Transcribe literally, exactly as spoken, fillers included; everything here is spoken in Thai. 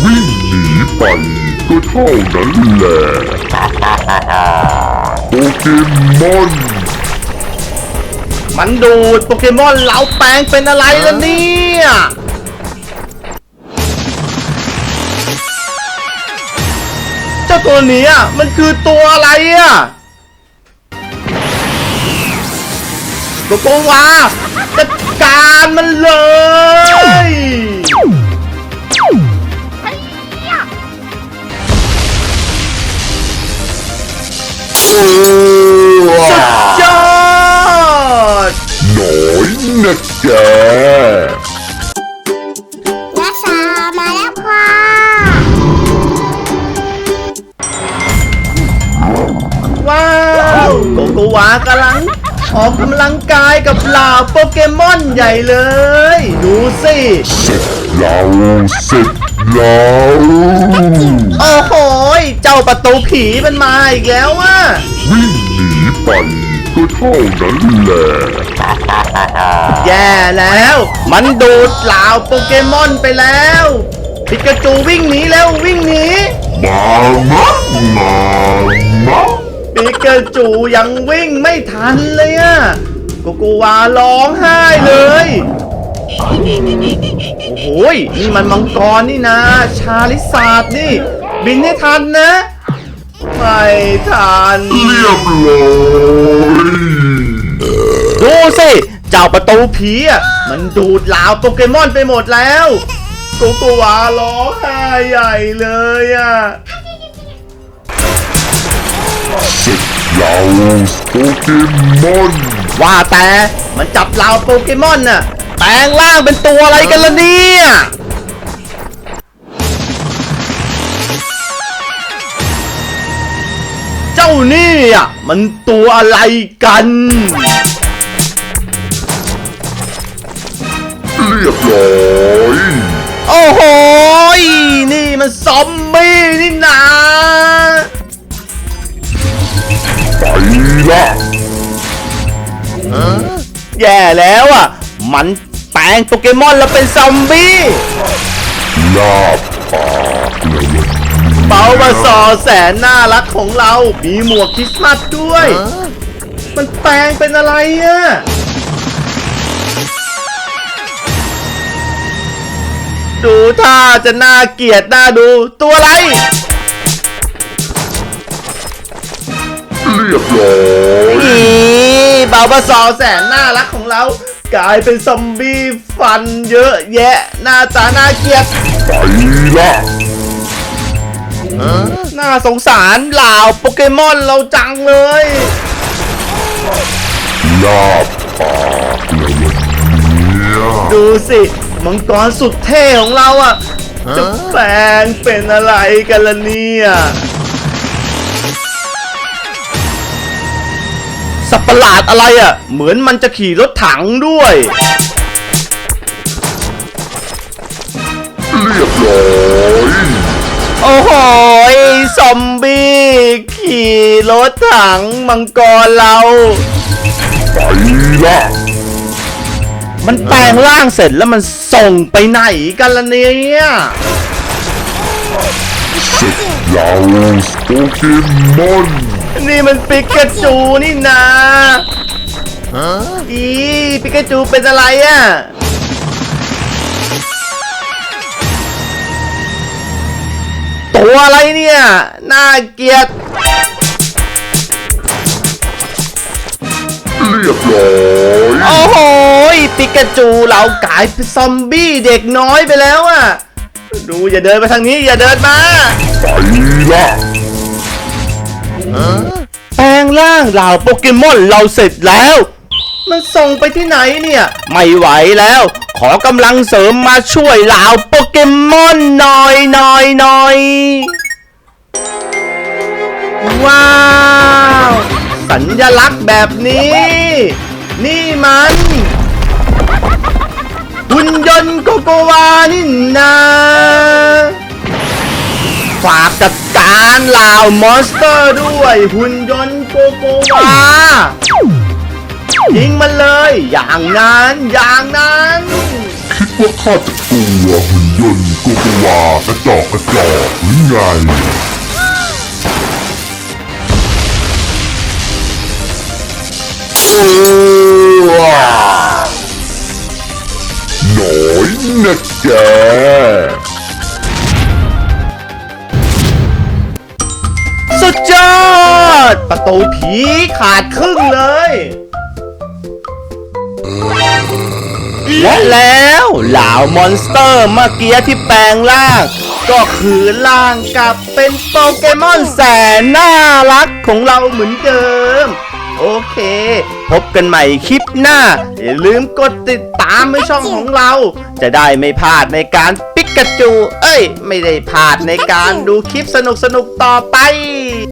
วิ่งหนีไปก็เท่านั้นแหละโปเกมอนมันดูดโปเกมอนเราแปลงเป็นอะไรล่ะเนี่ยเจ้าตัวนี้อ่ะมันคือตัวอะไรอ่ะโกโกวาจัดการมันเลยสุดยอดหน่อยนะแกนักษามาแล้วค่ะว้าวโกโกวากำลังออกกำลังกายกับเหล่าโปเกมอนใหญ่เลยดูสิเสร็จแล้วเสร็จแล้วโอ้โหเจ้าประตูผีมันมาอีกแล้วอ่ะวิ่งหนีไปก็เท่านั้นแหละแย่แล้วมันดูดเหล่าโปเกมอนไปแล้วปิกาจูวิ่งหนีแล้ววิ่งหนีมามะมามะปิกาจูยังวิ่งไม่ทันเลยอ่ะโกโกวาร้องไห้เลยโอ้โหนี่มันมังกรนี่นะชาลิซาร์ดนี่บินให้ทันนะไม่ทันเรียบร้อยดูสิเจ้าประตูผีอ่ะมันดูดเหล่าโปเกมอนไปหมดแล้วโกโกวาร้องไห้ใหญ่เลยอ่ะเสร็จแล้วโปเกมอนว่าแต่มันจับเหล่าโปเกมอนน่ะแปลงร่างเป็นตัวอะไรกันล่ะเนี่ยเจ้านี่อ่ะมันตัวอะไรกันเรียบร้อยโอ้โหนี่มันซอมบี้นี่นะไปละแย่แล้วอ่ะมันแปลงโปเกมอนแล้วเป็นซอมบี้ลาบปากเลยเปาบาซอแสนน่ารักของเรามีหมวกคริสต์มาสด้วยมันแปลงเป็นอะไรอ่ะดูท่าจะน่าเกลียดน่าดูตัวอะไรเรียบร้อยอีเบาบาซอแสนน่ารักของเรากลายเป็นซอมบี้ฟันเยอะแยะหน้าตาน่าเกลียดไปละน่าสงสารเหล่าโปเกมอนเราจังเลยลาบปากเลยเนี่ยดูสิมังกรสุดเท่ของเราอ่ะจะแปลงเป็นอะไรกันล่ะเนี่ยสัตว์ประหลาดอะไรอ่ะเหมือนมันจะขี่รถถังด้วยเรียบร้อยโอ้โหซอมบี้ขี่รถถังมังกรเราไปละมันแปลงร่างเสร็จแล้วมันส่งไปไหนกันล่ะเนี่ยเสร็จแล้วโปเกมอนนี่มันปิกาจูนี่นะอีปิกาจูเป็นอะไรอ่ะตัวอะไรเนี่ยน่าเกลียดเรียบร้อยโอ้โหปิกาจูเรากลายเป็นซอมบี้เด็กน้อยไปแล้วอ่ะดูอย่าเดินไปทางนี้อย่าเดินมาไปละแปลงร่างเหล่าโปเกมอนเราเสร็จแล้วมันส่งไปที่ไหนเนี่ยไม่ไหวแล้วขอกำลังเสริมมาช่วยเหล่าโปเกมอนหน่อยหน่อยหน่อยว้าวสัญลักษณ์แบบนี้นี่มันหุ่นยนต์โกโกวานี่นะฝากจัดการเหล่ามอนสเตอร์ด้วยหุ่นยนต์โกโกวายิงมันเลยอย่างนั้นอย่างนั้นคิดว่าข้าจะกลัวหุ่นยนต์โกกูกูวากระจอกกระจอกหรือไงโอ้ว้าหน่อยนะแกสุดยอด ประตูผีขาดครึ่งเลย และแล้วเหล่ามอนสเตอร์เมื่อกี้ที่แปลงร่าง ก็คือร่างกลับเป็นโปเกมอนแสนน่ารักของเราเหมือนเดิม โอเค พบกันใหม่คลิปหน้า อย่าลืมกดติดตามในช่องของเรา จะได้ไม่พลาดในการปิกาจู เอ้ย ไม่ได้พลาดในการดูคลิปสนุกๆต่อไป